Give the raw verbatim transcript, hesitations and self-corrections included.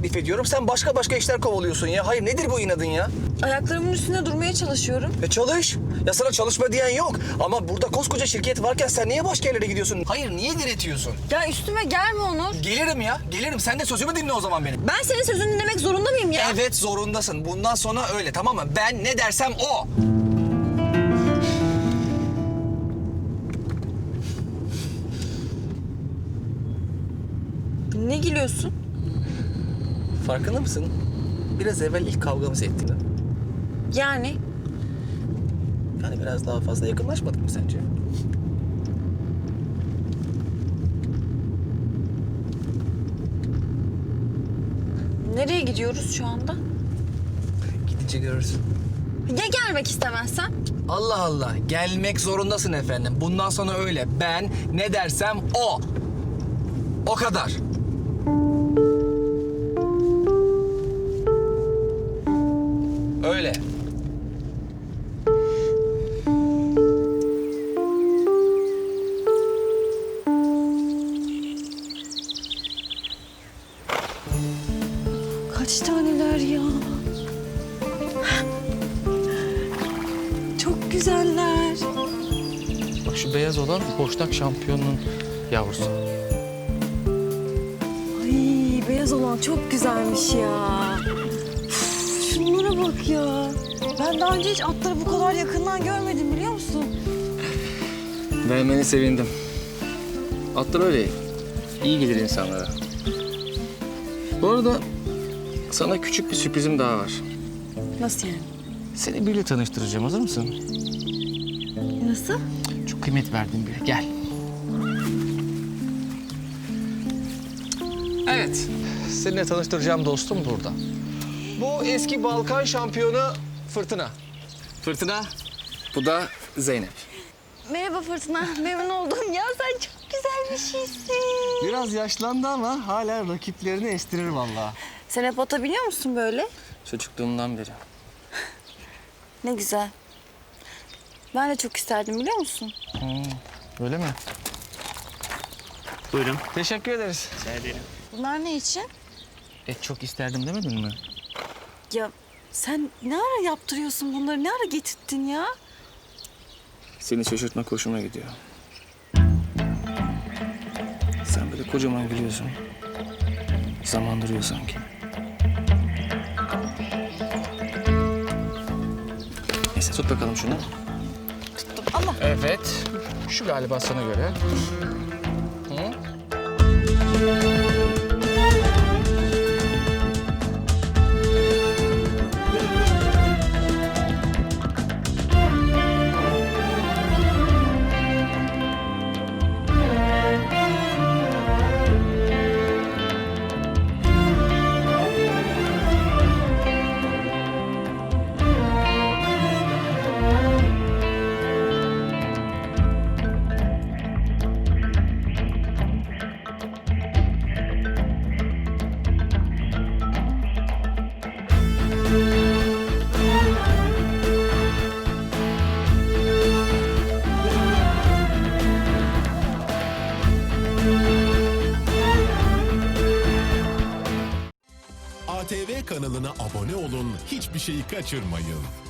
teklif ediyorum. Sen başka başka işler kovalıyorsun ya. Hayır nedir bu inadın ya? Ayaklarımın üstünde durmaya çalışıyorum. E çalış. Ya sana çalışma diyen yok. Ama burada koskoca şirket varken sen niye başka yerlere gidiyorsun? Hayır niye diretiyorsun? Ya üstüme gelme Onur. Gelirim ya. Gelirim. Sen de sözümü dinle o zaman benim. Ben senin sözünü dinlemek zorunda mıyım ya? Evet zorundasın. Bundan sonra öyle tamam mı? Ben ne dersem o. Ne gülüyorsun? Farkında mısın? Biraz evvel ilk kavgamızı ettik. Yani Yani biraz daha fazla yakınlaşmadık mı sence? nereye gidiyoruz şu anda? Gidince görürsün. Ya gelmek istemezsen? Allah Allah. Gelmek zorundasın efendim. Bundan sonra öyle. Ben ne dersem o. O kadar. Öyle. Kaç taneler ya? Çok güzeller. Bak şu beyaz olan boşnak şampiyonunun yavrusu. Ay beyaz olan çok güzelmiş ya. Üf, şunlara bak ya. Ben daha önce hiç atları bu kadar yakından görmedim biliyor musun? Vermeni sevindim. Atlar öyle iyi gelir insanlara. Bu arada sana küçük bir sürprizim daha var. Nasıl yani? Seni biriyle tanıştıracağım. Hazır mısın? Nasıl? Çok kıymet verdiğim biri. Gel. Evet. Seninle tanıştıracağım dostum burada. Bu eski Balkan şampiyonu Fırtına. Fırtına. Bu da Zeynep. Merhaba Fırtına. Memnun oldum ya. Sen çok güzel bir şeysin. Biraz yaşlandı ama hala rakiplerini estirir vallahi. Sen hep ata biniyor musun böyle? Çocukluğumdan beri. Ne güzel. Ben de çok isterdim biliyor musun? Hmm, öyle mi? Buyurun. Teşekkür ederiz. Rica ederim. Bunlar ne için? E çok isterdim demedin mi? Ya sen ne ara yaptırıyorsun bunları? Ne ara getirdin ya? Seni şaşırtmak hoşuma gidiyor. Sen böyle kocaman gülüyorsun. Zaman duruyor sanki. Neyse tut bakalım şunu. Tuttum. Allah. Evet. Şu galiba sana göre. Hı? A T V kanalına abone olun, hiçbir şeyi kaçırmayın.